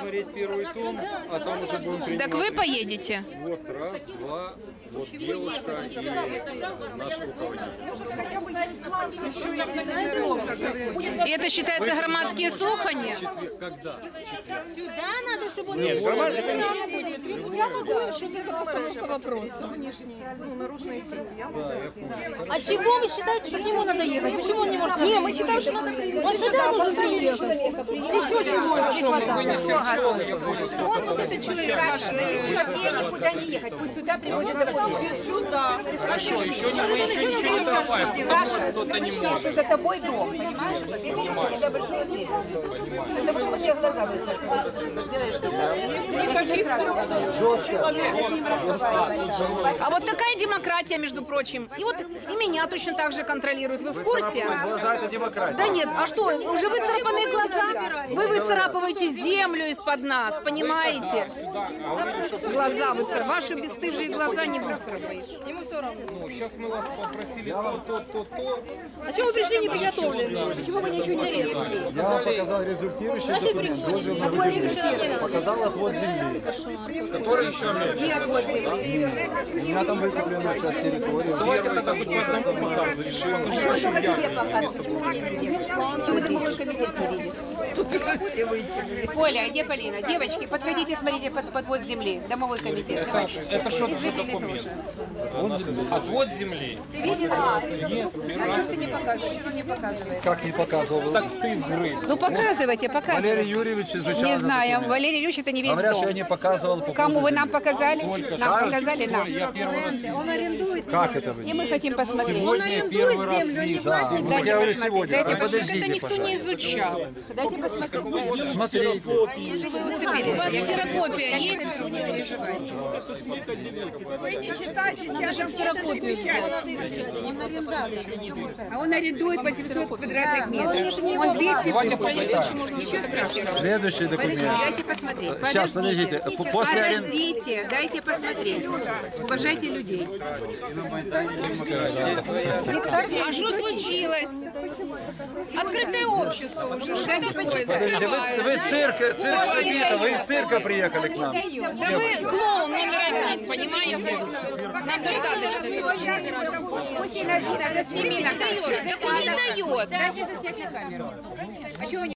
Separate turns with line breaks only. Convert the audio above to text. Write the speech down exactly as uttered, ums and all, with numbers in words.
смотреть первый том, а там уже будем принимать.
Так вы поедете?
Вот раз, два, вот девушка и наш руководитель.
И это считается громадские слухания?
Когда?
Сюда надо, чтобы он...
Нет, громад... это не...
Что это за постановка вопроса?
Да, я помню.
А чего вы считаете, что к нему надо ехать? Почему он не может? Не, мы считаем, что надо приехать. Он сюда должен приехать. Еще чего не хватает.
Он вот этот человек ваш, вообще никуда не ехать. Пусть сюда приводят домой. Сюда.
Хорошо, еще не, мы еще ничего не давай.
Саша,
Кто-то не
что
может.
за тобой дом, понимаешь? Ты видишь, у тебя большой дверь. Потому что у тебя глаза выцарапают. Делаешь что-то. Никаких
А вот такая демократия, между прочим. И вот и меня точно так же контролируют. Вы в курсе?
Глаза — это демократия.
Да нет, а что, уже выцарапанные глаза? Вы выцарапываете землю из-под нас, понимаете? Глаза выцарапываете. Ваши бесстыжие глаза не выцарапаешь.
Ему все равно.
Ну, сейчас мы вас попросили то, то, то, то.
А чего вы пришли не приготовленные? Почему вы ничего не резали?
Я вам показал результирующий документ, дозвел на выделение. Показал отвод земли.
Который еще меньше.
У меня там выкуплена часть территории.
Давайте тогда хоть по этому показу решим.
Только тебе показывать. Почему мне не делать? Почему ты мой комитет не видишь? Поля, где Полина? Девочки, подходите, смотрите под подвод земли. Домовой комитет.
Это, это что за документ? Отвод земли.
Ты видела? А что ты не показываешь? Что не показываешь?
Как не показывал?
Так ты взрыв.
Ну показывайте,
Валерий
показывайте.
Юрьевич изучал.
Не
этот
знаю,
документ.
Валерий Ильич, это не весь
Говорят, что я
дом.
не показывал. по
Кому
поводу
вы нам
земли.
показали?
Только
Нам
что.
показали, нам.
Я первый раз вижу.
Он арендует.
Как это вы?
И мы хотим посмотреть.
Сегодня я первый раз вижу. Да. Ну, так я говорю сегодня.
Дайте
А
посмотреть.
Это
подождите,
никто не изучал.
Дайте посмотреть.
смотреть.
У вас ксерокопия есть? Надо же ксерокопию взять.
Он арендатор. А он арендует восемьсот квадратных метров. Он двести Ничего страшного.
Следующий
Подождите,
документ.
дайте посмотреть.
Сейчас, подождите. После аренды.
Подождите, дайте посмотреть. Уважайте людей.
А что случилось? Открытое общество уже. Что такое?
Подождите, вы, вы цирк, цирк Шабита, вы из цирка приехали к нам.
Да вы клоун номер один, понимаете? Нам достаточно.
Пусть Инна засними на камеру.
Так он не дает.
Дайте заснять на камеру. А чего вы не